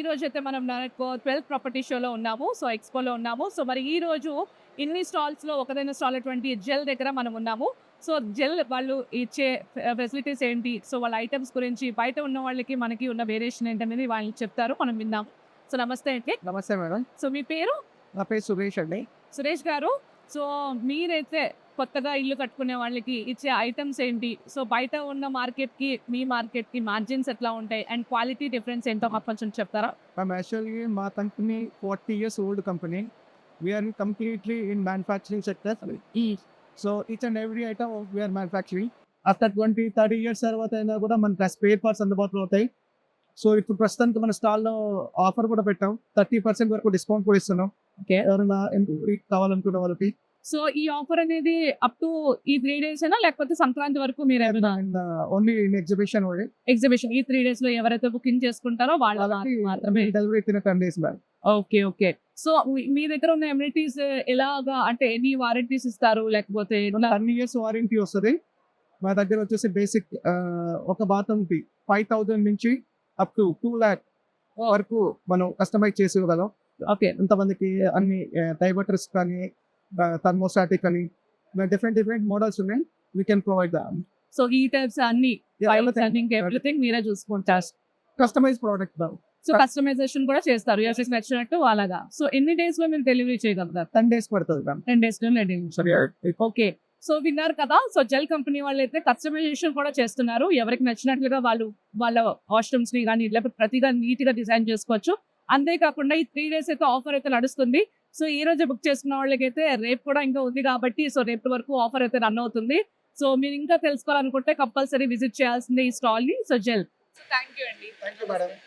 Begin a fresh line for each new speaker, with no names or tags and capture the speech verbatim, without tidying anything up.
రోజు అయితే మనం ట్వెల్త్ ప్రాపర్టీ షోలో ఉన్నాము. సో, ఎక్స్‌పోలో ఉన్నాము. సో, మరి ఈ రోజు ఇన్ని స్టాల్స్‌లో ఒకదైన స్టాల్ అటువంటి జెల్ దగ్గర మనం ఉన్నాము. సో, జెల్ వాళ్ళు ఇచ్చే ఫె ఫెసిలిటీస్ ఏంటి? సో, వాళ్ళ ఐటెమ్స్ గురించి బయట ఉన్న వాళ్ళకి, మనకి ఉన్న వేరియేషన్ ఏంటనేది వాళ్ళు చెప్తారు. మనం విందాం. సో, నమస్తే అండి.
నమస్తే మేడం.
సో, మీ పేరు?
నా పేరు సురేష్ అండి.
సురేష్ గారు. సో, మీరైతే కొత్తగా ఇల్లు కట్టుకునే వాళ్ళకి ఇచ్చే ఐటెమ్స్ ఏంటి? సో, బయట ఉన్న మార్కెట్‌కి, మీ మార్కెట్‌కి మార్జిన్స్ ఎట్లా ఉంటాయి? అండ్ క్వాలిటీ డిఫరెన్స్ ఏంటో మాకు కొంచెం చెప్తారా?
I'm actually మా company forty years old company. We are completely in manufacturing sector. So each and every item we are manufacturing. After twenty, thirty years తర్వాత అయినా కూడా మనకి స్పేర్ పార్ట్స్ అందుబాటులో అవుతాయి. సో ఇప్పుడు ప్రస్తుతానికి మన స్టాల్‌లో ఆఫర్ కూడా పెట్టాం. thirty percent వరకు డిస్కౌంట్ కూడా ఇస్తున్నాం.
ఓకే.
ఎవరైనా ఎంప్లాయీ కావాలనుకున్న వాళ్ళకి.
సో, ఈ ఆఫర్ అనేది అప్ టు ఈ మూడు డేసేనా? లేకపోతే సంక్రాంతి వరకు మీరేమైనా
and only in exhibition only.
Exhibition ఈ మూడు డేస్‌లో ఎవరైతే బుకింగ్ చేసుకుంటారో వాళ్ళ
వాళ్ళకి
మాత్రమే.
Delivery in ten days back.
Okay. Okay. So, మీ మీ దగ్గర ఉన్న అమ్యూనిటీస్ ఎలాగా అంటే ఎన్ని వారంటీస్ ఇస్తారు? లేకపోతే ఎట్లా?
టెన్ ఇయర్స్ వారంటీ వస్తది. మా దగ్గర వచ్చేసి బేసిక్ ఆహ్, ఒక బాత్రూమ్‌కి ఐదు వేల నుంచి అప్ టు రెండు లక్షల వరకు మనం కస్టమైజ్ చేసి ఇవ్వగలం.
ఓకే.
ఎంతమందికి అన్ని ఆహ్, డైవర్టర్స్ కానీ, ఆహ్, థర్మోస్టాటిక్ అని డిఫరెంట్ డిఫరెంట్ మోడల్స్ ఉన్నాయి. We can provide them.
So, heaters అన్ని
Yeah,
పైప్స్
everything.
అన్ని ఇంకా ఎవ్రీథింగ్ మీరే చూసుకుంటారు.
Customize product them.
So, customization కూడా చేస్తారు. ఎవరికి నచ్చినట్టు అలాగా. సో, ఎన్ని డేస్‌లో మీరు డెలివరీ చేయగలుగుతారు?
టెన్ డేస్ పడుతుంది మ్యామ్.
టెన్ డేస్‌లో డెలివరీ. ఓకే. సో, విన్నారు కదా! సో, జెల్ కంపెనీ వాళ్ళైతే కస్టమైజేషన్ కూడా చేస్తున్నారు. ఎవరికి నచ్చినట్లుగా వాళ్ళు వాళ్ళ వాష్‌రూమ్స్‌ని గాని, లేకపోతే ప్రతిగా నీట్‌గా డిజైన్ చేసుకోవచ్చు. అంతేకాకుండా ఈ మూడు డేస్ అయితే ఆఫర్ అయితే నడుస్తుంది. సో, ఈ రోజే బుక్ చేసుకున్న వాళ్ళకైతే రేపు కూడా ఇంకా ఉంది కాబట్టి, సో, రేపటి వరకు ఆఫర్ అయితే రన్ అవుతుంది. సో, మీరు ఇంకా తెలుసుకోవాలనుకుంటే కంపల్సరీ విజిట్ చేయాల్సిందే ఈ స్టాల్‌ని. సో, జెల్. సో, థాంక్ యూ అండి.
Thank you madam.